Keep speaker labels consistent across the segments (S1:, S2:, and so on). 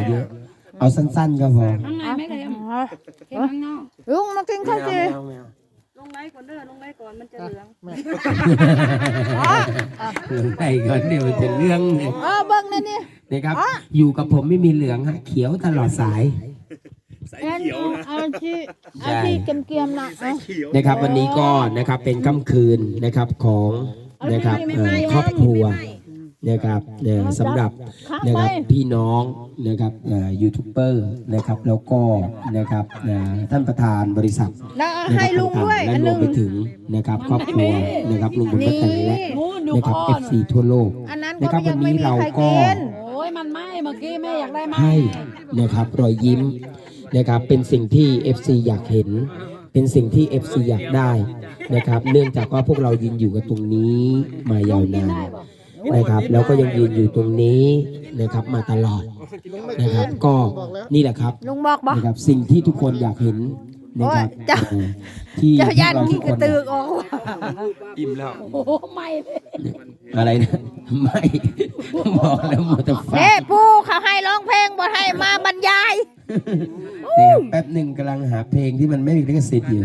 S1: เยอะเอาสั้นๆก็พอ
S2: ข้างในไม่เลยเค็มข้างนอก
S3: ลุงมากินข้าวจี
S2: ลงไลฟ์ก่อนเด้อลงไลฟ์ก่อนมันจะเหลือง
S1: ลงไปก่อนเดี๋ยวมันจะเรื่องเลย
S3: เบิ้งนี่นี่
S1: นะครับอยู่กับผมไม่มีเหลืองฮะเขียวตลอดสาย
S3: อาชีเกียมๆนะเอา
S1: นะครับวันนี้ก็นะครับเป็นค่ำคืนนะครับของนะครับครอบครัวนะครับสำหรับนะครับพี่น้องนะครับยูทูบเบอร์นะครับแล้วก็นะครับท่านประธานบริษัท
S3: แล้วให้ลุงด้วย
S1: และ
S3: อัน
S1: ร
S3: ห
S1: ว
S3: นึ่
S1: ม
S3: ง
S1: ไปถึงนะครับครอบครัวนะครับลุงบุญประตันและนะครับ FC ทั่วโลก
S3: อันนั้น
S1: นะครับ
S3: ก็
S1: วั
S3: ยั
S1: น
S3: งไม่
S1: นี้
S3: มี
S1: เรา
S3: ใคร
S1: ก็
S3: กิน
S2: โอ้ยมันไหม้เมื่อกี้แม่อยากได้ไหม
S1: ให้นะครับรอยยิ้มนะครับเป็นสิ่งที่ FC อยากเห็น เป็นสิ่งที่ FC อยากได้นะครับเนื่องจากว่าพวกเรายืนอยู่กันตรงนี้มายาวนานนะครับแล้วก็ยังยืนอยู่ตรงนี้นะครับมาตลอดนะครับก็นี่แหละครับ
S3: ลุงบอกบอก
S1: นะครับสิ่งที่ทุกคนอยากเห็นนะครับ
S3: โอ้ยเจ้า
S1: ที่
S3: เจ้าย่าน
S1: พว
S3: ขี้
S1: ทุ
S3: กระตือกออก
S1: อิ่มแล้ว
S2: โอ้โหไหม้เลย
S1: อะไรนะไม่บอกแล้วหมดแต่ฟัง
S3: เฮ้ปู่เขาให้ร้องเพลงบ่ให้มาบรรยาย
S1: นะครับแป๊บหนึ่งกำลังหาเพลงที่มันไม่มีลิขสิทธิ์อยู่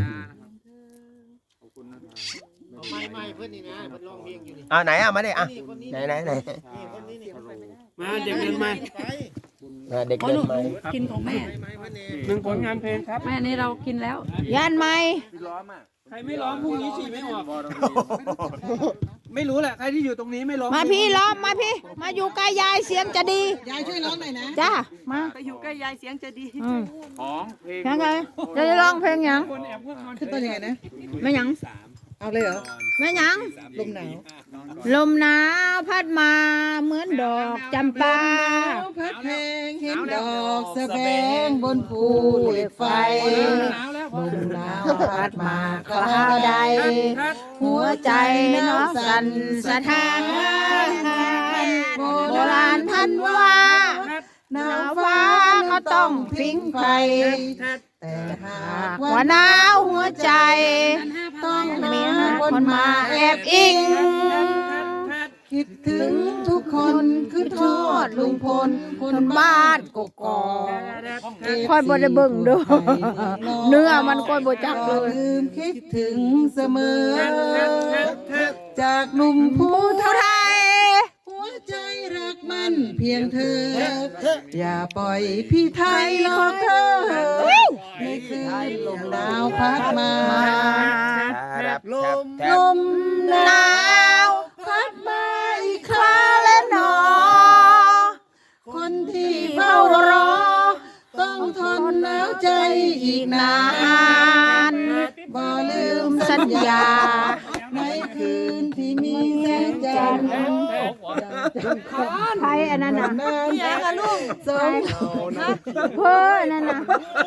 S4: ไหนมาดิไหน
S5: มาเด็กเดินมา
S4: เด็กเดินมา
S2: กินของแม่
S5: หนึ่งผลงานเพลงครับ
S2: แม่นี่เรากินแล้ว
S3: ย่านไหม
S5: ใครไม่ร้องพรุ่งนี้ฉี่ไม่ออกไม่รู้แหละใครที่อยู่ตรงนี้ไม่ร้อง
S3: มาพี่ล้อมมาพี่ มาอยู่ใกล้ยายเสียงจะดี
S6: ยายช่วยร้องหน่อยนะ
S3: จ้ามา
S2: ไปอยู่ใกล้ยายเสียงจะดี
S5: ของเพลง
S3: ยังไงจะร้องเพลงหยัง
S5: คนแอบพวกนอน
S6: ขึ้นต้นยังไงนะ
S3: ไม่หยัง
S6: เอาเลยเหรอ
S3: ไม่หยัง
S6: ลมหนาว
S3: ลมหนาวพัดมาเหมือนดอกจำปา
S6: พัดเพลงเห็นดอกสะแบงบนภูเหล็กไฟ ลมหนาวพัดมาคราวใด หัวใจน้องสั่นสะท้านโบราณท่านว่าหนาวฟ้าก็ต้องพิงไฟ แต่หากว่าหนาวหัวใจ ต้องมีคนมาแอบอิง คิดถึงทุกคนคือทอดลุงพลคนบ้านกกอกค่อยบ่ได้เบิ่งดูเนื้อมันค่อยบ่จักเลยลืมคิดถึงเสมอ จากหนุ่มผู้ไทย หัวใจรักมันเพียงเธอ อย่าปล่อยพี่ไทยหลอกเธอในคืนลมหนาวพัดมา ลมหนาวพัดมาอีกคราและหนอ คนที่เฝ้ารอ ต้องทนหนาวใจอีกนานบ่ลืมสัญญา ในคืนที่มีแสงจันทร์ไทยอันนั้นน่ะลูกสองเพื่อนั่นน่ะ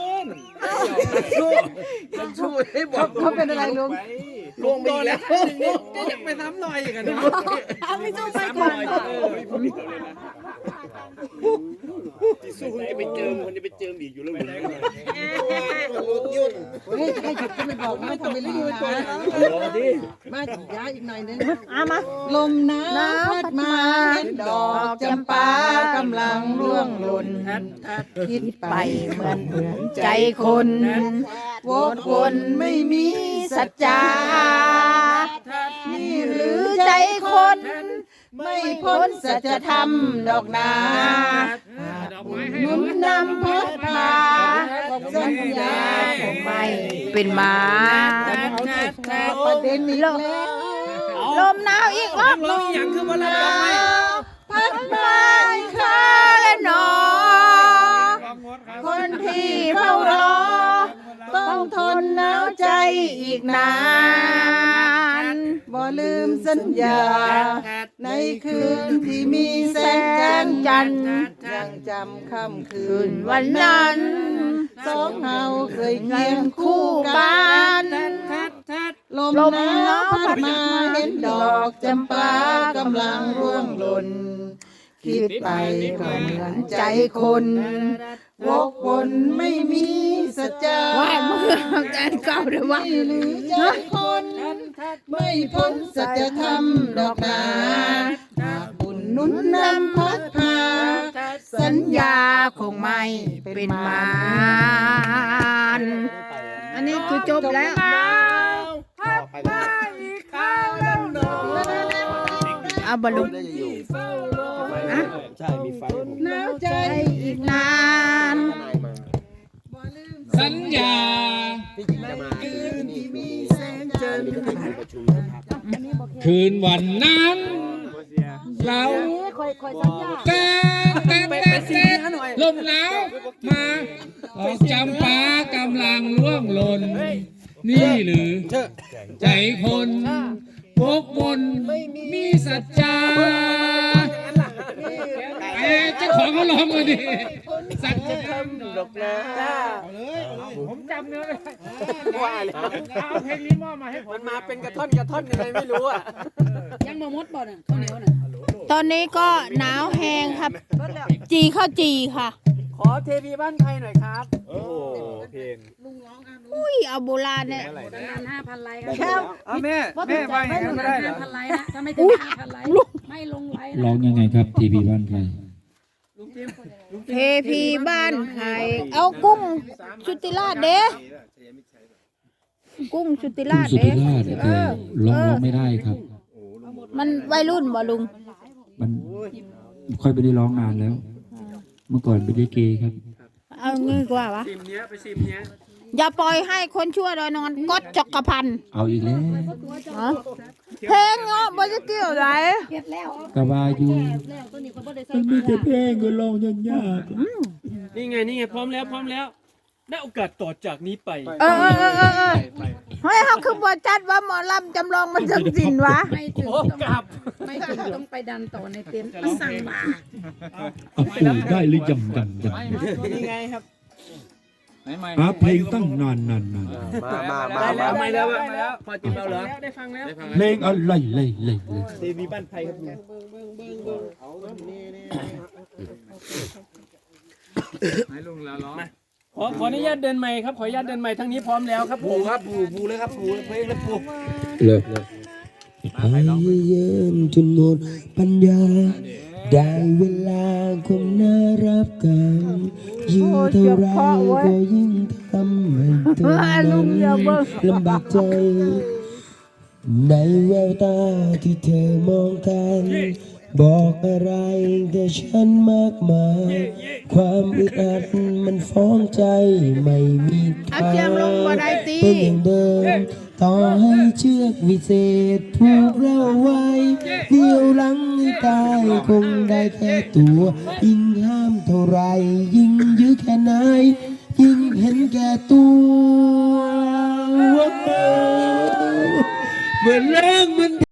S6: เขาเป็นอะไรลุง
S5: ลงโดนแล้วก็อยากไปซ้ำหน่อยอย่างนั้น
S3: เอาไม่ต้องไปก่อน
S5: ที่สู้จะไปเจิมคนจะไปเจิมอีกอยู่แล้วอยู่ไหน
S6: เฮ้ยให้หยุดก็ไม่บอกไม่ทำเป็นรีบนะมาย้ายอีกหน่อยนึง
S3: เอามา
S6: ลมหนาวพัดมาเห็นดอกจำปากำลังร่วงหล่นคิดไปเหมือนใจคนวกวนไม่มีสัจจา นี่หรือใจคน ไม่พ้นสัจธรรมดอกนาหนุนนำพัดพาสัญญาคงไม่เป็นมาประเด็นนี้แล้วลมหนาวอีกรอบ
S5: ร้องอย่างคือว่าเราร้องไหม
S6: พัดมาอีกคราและหนอ คนที่เฝ้ารอ ต้องทนหนาวใจอีกนานบ่ลืมสัญญา ในคืนที่มีแสงจันทร์ยังจำค่ำคืนวันนั้นสองเฮาเคยเคียงคู่กันลมหนาวพัดมาเห็นดอกจำปากำลังร่วงหล่น คิดไปก็เหมือนใจคนวกวนไม่มีสัจจา
S3: ว่ามึงใจเก่าเดี๋ยวว่า
S6: ไม่หรือใจคน ไม่พ้นสัจธรรมดอกนาหากบุญหนุนนำพัดพาสัญญาคงไม่เป็นมานอันนี้คือจบแล้วเอาบอลลูนนะ
S4: ใช่มีไฟผม
S6: หนาวใจอีกนาน
S7: สัญญา
S4: พี่หญิงจะมาคืนที่มีแสงจันทร์ประชุมนะครับ
S7: คืนวันนั้น เราแก่ลมหนาวมาดอกจำปากำลังร่วงหล่น นี่หรือใจคนพกมนมีสัจจาเจ้าของเขาร้องมาดิสัจจะทำ
S4: ดอกนะ
S5: ผมจำเนื้อไม่ได้
S4: ว่าเลย
S5: เอาเพลงนี้มอบมาให้ผมมันมาเป็นกระท่อนยังไงไม่รู้อ่ะ
S2: ยังมามดบ่น่ะข้าวเหนียวน่ะ
S3: ตอนนี้ก็หนาวแห้งครับ จีข้าวจีค่ะ
S5: ขอเทพีบ้านไทยหน่อยครับ
S4: โอ้โหเพลง
S3: อุ้ยเอาโบราณเนี่ย
S2: นาน5,000 ไลค์
S5: แค่เอาแม่ว่าอย่างนั้นไม่ได้เหรอ
S2: 5,000 ไลค์นะถ้าไม่ถึง5,000 ไลค์ไม่ลงไลค์
S7: ร้องยังไงครับทีวีบ้านใคร
S3: เทพีบ้านไทยเอากุ้งชุติราชเด้กุ้งชุติราช
S7: สุ
S3: เด้
S7: ธิราชร้องไม่ได้ครับ
S3: มันวัยรุ่นบ่ลุง
S7: มันค่อยไม่ได้ร้องนานแล้ว เมื่อก่อนเป็นลิเกครับ
S3: เอางี้กว่าวะ
S5: ซิมเนี้ยไปซิมเนี้ย
S3: อย่าปล่อยให้คนชั่วดอยนอนก๊อตจักรพันธ์
S7: เอาอีกแล้ว
S3: ฮะเพลงเนาะบ่จะเกี่ยวไร
S2: เก็บแล้ว
S7: กะวาอยู่
S2: แล้วตัวนี้ก็บ่ได้ใส่
S7: มันมีแต่เพลงก็ร้องยาก
S5: นี่ไงพร้อมแล้วได้โอกาสต่อจากนี้ไป
S3: เออเฮ้ยเขาคือบ่จัดว่าหมอลำจำลองมันจังสินวะ
S2: ไม่ถึง
S5: โอ้กลับ
S2: ไม่ถึงต้องไปดันต่อในเต็นท์มันสั่งมา
S7: เอาปู่ได้หรือยัง
S5: นี่ไงครับ
S7: หาเพลงตั้งนาน
S4: มา
S5: ได้แล้วไม่แล้วพอจิบเอาเหรอได้ฟังแล้ว
S7: เพลงอะไรเลย
S4: ทีวีบ้านไทยครับลุง
S5: ขออนุญาตเดินใหม่ครับขออนุญาตเดินใหม่ทั้งนี้พร้อมแล้วครับ
S4: ปูครับปูเลยครับปูเพลงแล้วปู
S1: เลิกพยายามจนหมดปัญญา ได้เวลาคงน่ารับกันยิ่งเท่าไรก็ยิ่งทำให้เธอนั้นลำบากใจ ในแววตาที่เธอมองกัน บอกอะไรแก่ฉันมากมาย ความอึดอัดมันฟ้องใจไม่มีทางเป็นอย่างเดิม ต่อให้เชือกวิเศษผูกเราไว้เหนี่ยวหลังให้ตายคงได้แค่ตัวยิ่งห้ามเท่าไรยิ่งยื้อแค่ไหนยิ่งเห็นแก่ตัวเหมือนแรงมัน